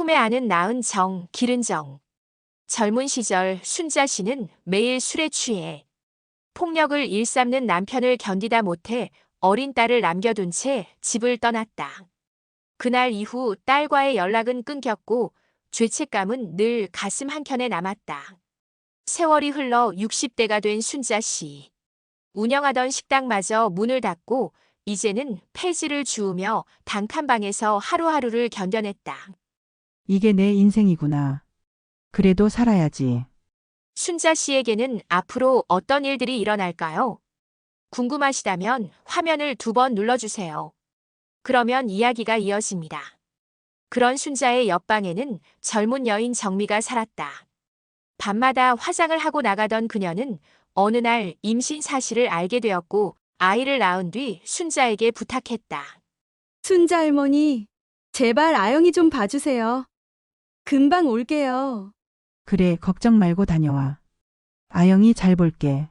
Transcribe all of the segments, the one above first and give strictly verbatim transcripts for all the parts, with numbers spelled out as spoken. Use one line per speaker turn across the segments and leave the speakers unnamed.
품에 안은 낳은 정, 기른 정. 젊은 시절 순자 씨는 매일 술에 취해 폭력을 일삼는 남편을 견디다 못해 어린 딸을 남겨둔 채 집을 떠났다. 그날 이후 딸과의 연락은 끊겼고 죄책감은 늘 가슴 한켠에 남았다. 세월이 흘러 육십 대가 된 순자 씨. 운영하던 식당마저 문을 닫고 이제는 폐지를 주우며 단칸방에서 하루하루를 견뎌냈다.
이게 내 인생이구나. 그래도 살아야지.
순자 씨에게는 앞으로 어떤 일들이 일어날까요? 궁금하시다면 화면을 두 번 눌러주세요. 그러면 이야기가 이어집니다. 그런 순자의 옆방에는 젊은 여인 정미가 살았다. 밤마다 화장을 하고 나가던 그녀는 어느 날 임신 사실을 알게 되었고 아이를 낳은 뒤 순자에게 부탁했다.
순자 할머니, 제발 아영이 좀 봐주세요. 금방 올게요.
그래, 걱정 말고 다녀와. 아영이 잘 볼게.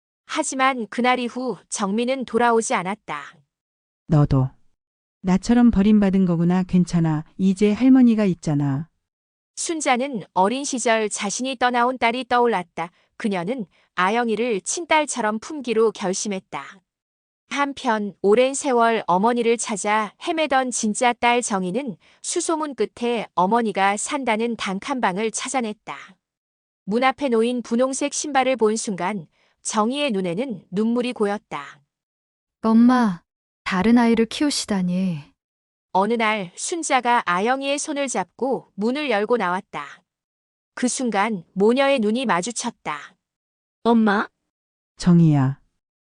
하지만 그날 이후 정미는 돌아오지 않았다.
너도. 나처럼 버림받은 거구나. 괜찮아. 이제 할머니가 있잖아.
순자는 어린 시절 자신이 떠나온 딸이 떠올랐다. 그녀는 아영이를 친딸처럼 품기로 결심했다. 한편 오랜 세월 어머니를 찾아 헤매던 진짜 딸 정희는 수소문 끝에 어머니가 산다는 단칸방을 찾아냈다. 문 앞에 놓인 분홍색 신발을 본 순간 정희의 눈에는 눈물이 고였다.
엄마, 다른 아이를 키우시다니.
어느 날 순자가 아영이의 손을 잡고 문을 열고 나왔다. 그 순간 모녀의 눈이 마주쳤다.
엄마,
정희야.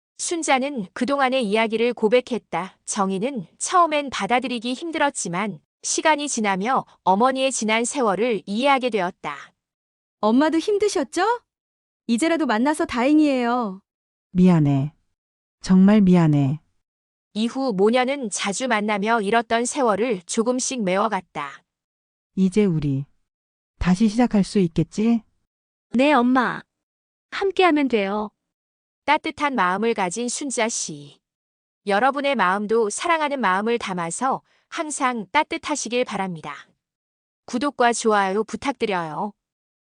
순자는 그동안의 이야기를 고백했다. 정희는 처음엔 받아들이기 힘들었지만 시간이 지나며 어머니의 지난 세월을 이해하게 되었다.
엄마도 힘드셨죠? 이제라도 만나서 다행이에요.
미안해. 정말 미안해.
이후 모녀는 자주 만나며 잃었던 세월을 조금씩 메워갔다.
이제 우리 다시 시작할 수 있겠지?
네, 엄마. 함께하면 돼요.
따뜻한 마음을 가진 순자 씨. 여러분의 마음도 사랑하는 마음을 담아서 항상 따뜻하시길 바랍니다. 구독과 좋아요 부탁드려요.